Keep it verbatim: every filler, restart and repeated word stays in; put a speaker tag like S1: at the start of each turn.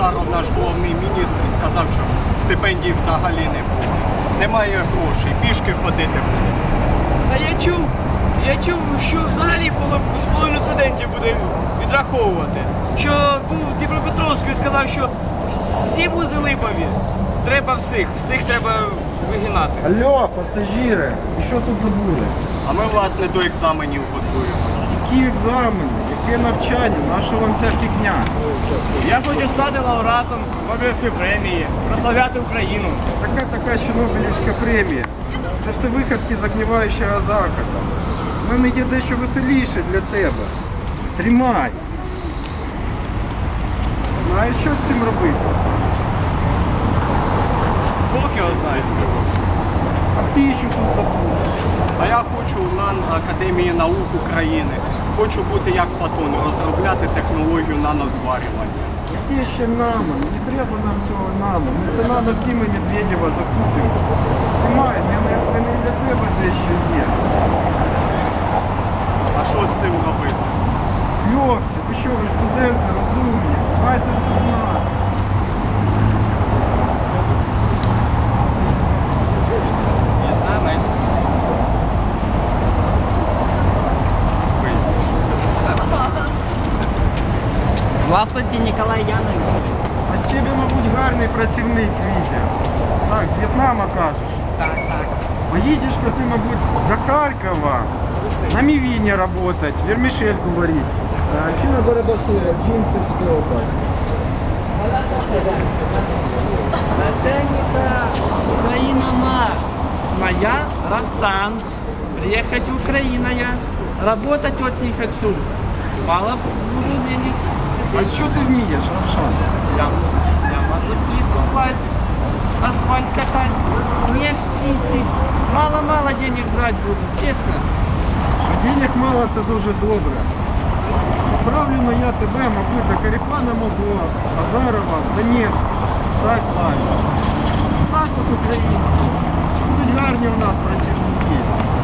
S1: Азаров, наш головний міністр, сказав, що стипендій взагалі не буде. Немає грошей, пішки ходити буде.
S2: Та я чув, я чув, що взагалі половину студентів буде відраховувати. Що був в Дніпропетровську і сказав, що всі вузи липові. Треба всіх, всіх треба вигинати.
S3: Алло, пасажири, і що тут забули?
S1: А ми, власне, до екзаменів готуємося.
S3: Які екзамени, яке навчання, наша вам ця фігня?
S2: Я хочу стати лауреатом Нобелівської премії, прославляти Україну.
S3: Така така ще Нобелівська премія. Це все виходки загніваючого Заходу. У мене є дещо веселіше для тебе. Тримай. Знаєш, що з цим робити?
S2: Бог його знає.
S3: А ти що тут забув?
S1: А я хочу в НАН Академії наук України. Хочу бути як Платон, розробляти технологію нанозварювання.
S3: Яке ще нано? Не треба нам цього нано. Ми це нано Кіма Медведєва закупимо. Тримай, в мене, в мене для тебе дещо є.
S1: А що з цим робити?
S3: Хлопці, ви що, ви студенти, розумні, маєте все знати.
S2: Здравствуйте, Николай Янович.
S3: А з тебе, мабуть, гарний працівник відео. Так, з В'єтнама кажеш.
S2: Так, так.
S3: Поїдеш-ка ти, мабуть, до Харкова на мівіні працювати, вермішельку варити. Чи на барабашира, джинси штопати.
S4: Начальника Украина ма. Моя Равсан. Приехать в Украину я. Работать очень хочу. Мало буду денег.
S3: А що ти вмієш, Равшан?
S4: Я, я могу плитку класть, асфальт катать, снег чистить. Мало-мало денег брать буду, честно.
S3: Що денег мало, це дуже добре. Відправлю я тебе, мабуть, до Каріпана мого, Азарова, в Донецьк. Так, ладно. Так от українці. Будуть гарні у нас працівники.